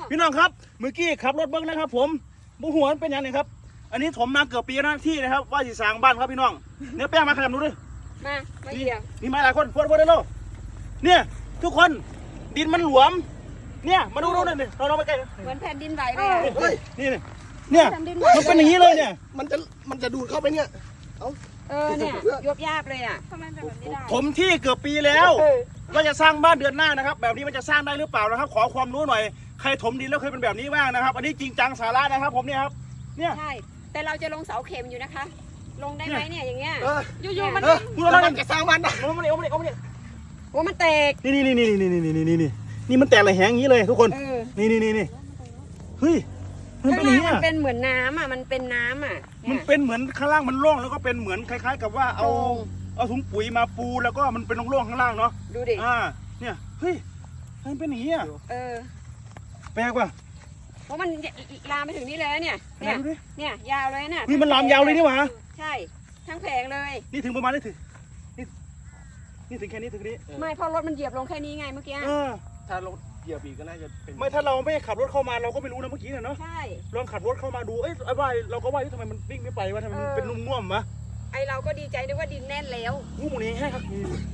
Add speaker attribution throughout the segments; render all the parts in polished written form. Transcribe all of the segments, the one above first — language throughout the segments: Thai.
Speaker 1: พี่น้องครับเมื่อกี้ขับรถเบิ้งนะครับผมบุหัวเป็นยังไงครับอันนี้ถมมาเกือบปีแล้วที่นะครับว่าสิสร้างบ้านครับพี่น้องเนื้อแป้งมาขยับดูดิ
Speaker 2: มาเหี่ยว
Speaker 1: นี่มาหลายคนพวดได้แล้วเนี่ยทุกคนดินมันหลวมเนี่ยมาดูนี่เราไปใกล้
Speaker 2: เหมือนแผ่นดินไหวเลย
Speaker 1: เฮ้ยนี่เนี่ยมันเป็นอย่างนี้เลยเนี่ย
Speaker 3: มันจะดูดเข้าไปเนี่ย
Speaker 2: เนี่ยยบยาบเลยอ่ะทำไมแบบนี้ได้
Speaker 1: ผมที่เกือบปีแล้วว่าจะสร้างบ้านเดือนหน้านะครับแบบนี้มันจะสร้างได้หรือเปล่านะครับขอความรู้หน่อยใครถมดินแล้วเคยเป็นแบบนี้บ้างนะครับอันนี้จริงจังสาระนะครับผมเนี่ยครับเนี่ย
Speaker 2: ใช่แต่เราจะลงเสาเข็มอยู่นะคะลงได้ไหมเนี่ยอย่างเงี้ยอยู่ๆมัน
Speaker 3: มันจะสร้างบ้านได้
Speaker 1: โอ้
Speaker 2: มันแตก
Speaker 1: นี่มันแตกอะไรแหงอย่างนี้เลยทุกคนนี่เฮ้ยมันเป็นอย่างนี้
Speaker 2: มันเป็นเหมือนน้ำอ่ะมันเป็นน้ำอ่ะ
Speaker 1: มันเป็นเหมือนข้างล่างมันร่องแล้วก็เป็นเหมือนคล้ายๆกับว่าเอาถุงปุ๋ยมาปูแล้วก็มันเป็นร่องข้างล่างเนาะ
Speaker 2: ดูดิ
Speaker 1: เนี่ยเฮ้ยมันเป็นอย่างนี้แปลกว่ะ
Speaker 2: เพราะมันลามไปถึงนี่เลยเนี่ยยาวเลยเนี่ย
Speaker 1: นี่มันลามยาวเลยนี่หว่า
Speaker 2: ใช่ทั้งแผงเลย
Speaker 1: นี่ถึงประมาณนี่ถึงแค่นี้ถึงนี้
Speaker 2: ไม่เพราะรถมันเหยียบลงแค่นี้ไงเมื่อกี้
Speaker 3: ถ้ารถเหยียบอีกก็น่าจะเป็น
Speaker 1: ไม่ถ้าเราไม่ขับรถเข้ามาเราก็ไม่รู้นะเมื่อกี้เนาะ
Speaker 2: ใช่
Speaker 1: ลองขับรถเข้ามาดูว่าเราก็ว่าทำไมมันวิ่งไม่ไปวะทำไมมันเป็นนุ่มๆวะ
Speaker 2: ไอเราก็ดีใจด้วยว่าดินแน่นแล้ว
Speaker 1: งูหมูนี้ให้ครับ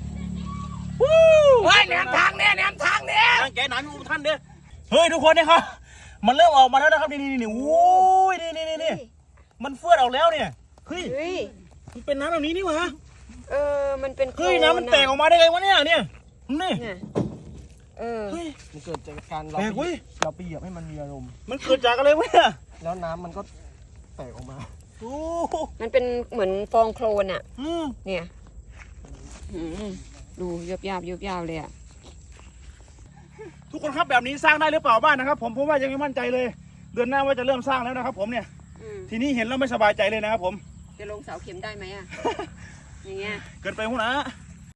Speaker 3: แหนมทางเนี่ย
Speaker 1: แกหนาอยู่ท่านเด้อเฮ้ยทุกคนเนี่ยครับมันเริ่มออกมาแล้วนะครับนี่โอ้ยนี่มันเฟื่อออกแล้วเนี่ยเฮ้ยมันเป็นน้ำแบบนี้นี่วะ
Speaker 2: มันเป็น
Speaker 1: เฮ้ยน้ำมันแตกออกมาได้ไงวะเนี่ยนี่
Speaker 3: เฮ้ยมันเกิดจากการเราไปเหยียบให้มันมีอารมณ์
Speaker 1: มันเกิดจากอะไรวะเนี่ย
Speaker 3: แล้วน้ำมันก็แตกออกมา
Speaker 2: มันเป็นเหมือนฟองโคลนอ่ะเนี่ยดูยบยาบเลยอ่ะ
Speaker 1: ทุกคนครับแบบนี้สร้างได้หรือเปล่าบ้านนะครับผมว่ายังไม่มั่นใจเลยเดือนหน้าว่าจะเริ่มสร้างแล้วนะครับผมเนี่ยทีนี้เห็นแล้วไม่สบายใจเลยนะครับผม
Speaker 2: จะลงเสาเข็มได้ไหมอ่ะอย่างเงี้ย
Speaker 1: เกินไปหัวหน้า